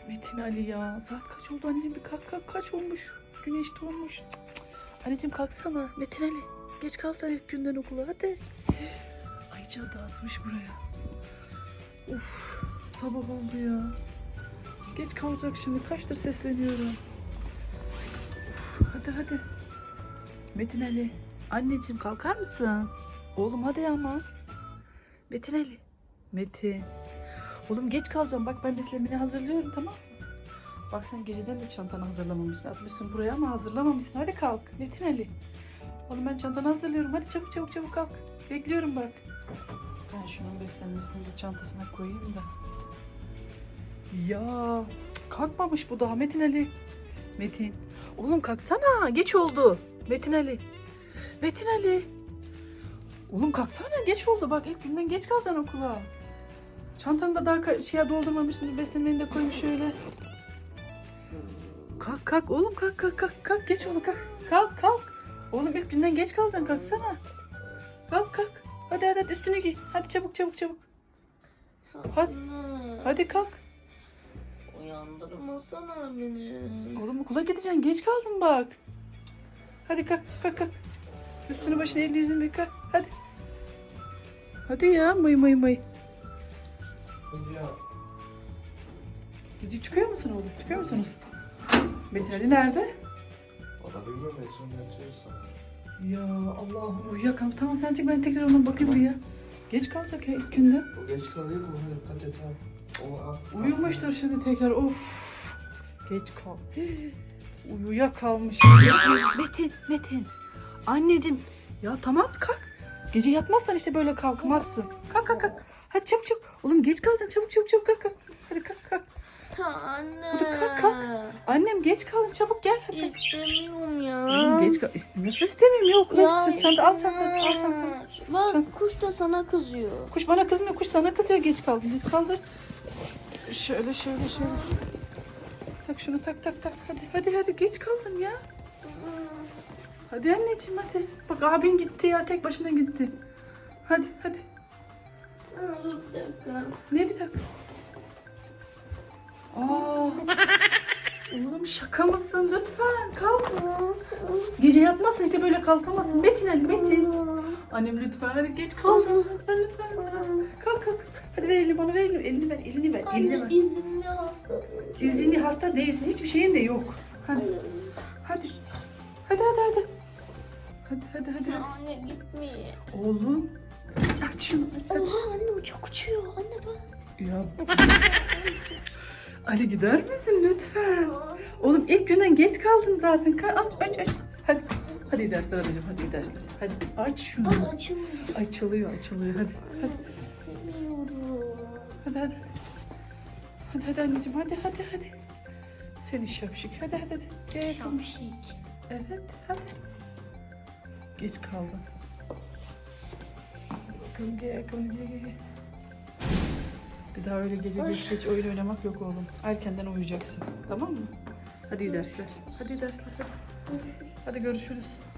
Metin Ali ya. Saat kaç oldu anneciğim? Bir kalk kaç olmuş? Güneş doğmuş. Cık, cık. Anneciğim kalksana. Metin Ali. Geç kalacaksın ilk günden okula hadi. Ayça dağıtmış buraya. Uf, sabah oldu ya. Geç kalacak şimdi. Kaçtır sesleniyorum. Uf, hadi. Metin Ali. Anneciğim kalkar mısın? Oğlum hadi ama. Metin Ali. Metin. Oğlum geç kalacağım. Bak ben beslenmeni hazırlıyorum, tamam mı? Bak sen geceden de çantanı hazırlamamışsın. Atmışsın buraya ama hazırlamamışsın. Hadi kalk Metin Ali. Oğlum ben çantanı hazırlıyorum. Hadi çabuk kalk. Bekliyorum bak. Ben şunun beslenmesini de çantasına koyayım da. Ya kalkmamış bu daha Metin Ali. Metin. Oğlum kalksana. Geç oldu. Metin Ali. Metin Ali. Oğlum kalksana, geç oldu. Bak ilk günden geç kalacaksın okula. Çantanı da daha şeye doldurmamışsın. Beslenmeni de koymuş şöyle. Kalk oğlum kalk. Geç oldu kalk. Oğlum ilk günden geç kalacaksın, kalksana. Kalk. Hadi üstünü giy. Hadi çabuk. Hadi kalk. Uyandırmasana beni. Oğlum okula gideceksin, geç kaldın bak. Hadi kalk. Üstünü başını elini yüzünü yıka. Hadi ya mıy. Gidiyor, çıkıyor musun oğlum? Çıkıyor musunuz? Metin Ali nerede? O da bilmiyorum, en son yatıyorsa. Ya Allah'ım uyuyakalmış. Tamam sen çık, ben tekrar ona bakayım bir ya. Geç kalacak ya ilk günden. O geç kalıyor mu? Ona dikkat et ha. O az. Uyumuştur şimdi tekrar. Of. Geç kal. Uyuyakalmış. Metin. Anneciğim. Ya tamam kalk. Gece yatmazsan işte böyle kalkmazsın. Kalk. Hadi çabuk. Oğlum geç kalacaksın. Çabuk kalk. Hadi kalk. Anne. Hadi kalk. Annem geç kaldın, çabuk gel hadi. İstemiyorum ya. Oğlum geç kal. Nasıl istemeyeyim ya, okula gitsin. Sen de al çantanı. Bak kuş da sana kızıyor. Kuş bana kızmıyor, kuş sana kızıyor, geç kaldın. Geç kaldı. Şöyle. Tak şunu tak. Hadi geç kaldın ya. Hadi anneciğim hadi. Bak abin gitti ya, tek başına gitti. Hadi. Dur bir dakika. Ne bir dakika? Oğlum şaka mısın? Lütfen kalk. Gece yatmazsın işte böyle kalkamazsın. Metin. Annem lütfen hadi geç kaldın. Lütfen. Kalk. Hadi ver elini bana, ver elini ver. Anne izinli hasta. İzinli hasta değilsin. Hiçbir şeyin de yok. Hadi. Hadi. Ya anne gitmeye. Oğlum. Aç şunu. Aç. Oha anne uçak uçuyor. Anne bak. Ya. Ali gider misin lütfen? Oğlum ilk günden geç kaldın zaten. Aç. Hadi iyi dersler anneciğim. Hadi aç şunu. Bak açılmıyor. Açılıyor. Hadi. Sevmiyorum. Hadi anneciğim. Hadi. Seni şapşik. Hadi. Gel. Şapşik. Evet. Hadi. Geç kaldın. Bakalım gel. Bir daha öyle gece geç oyun oynamak yok oğlum. Erkenden uyuyacaksın. Tamam mı? Hadi iyi dersler. Hadi görüşürüz.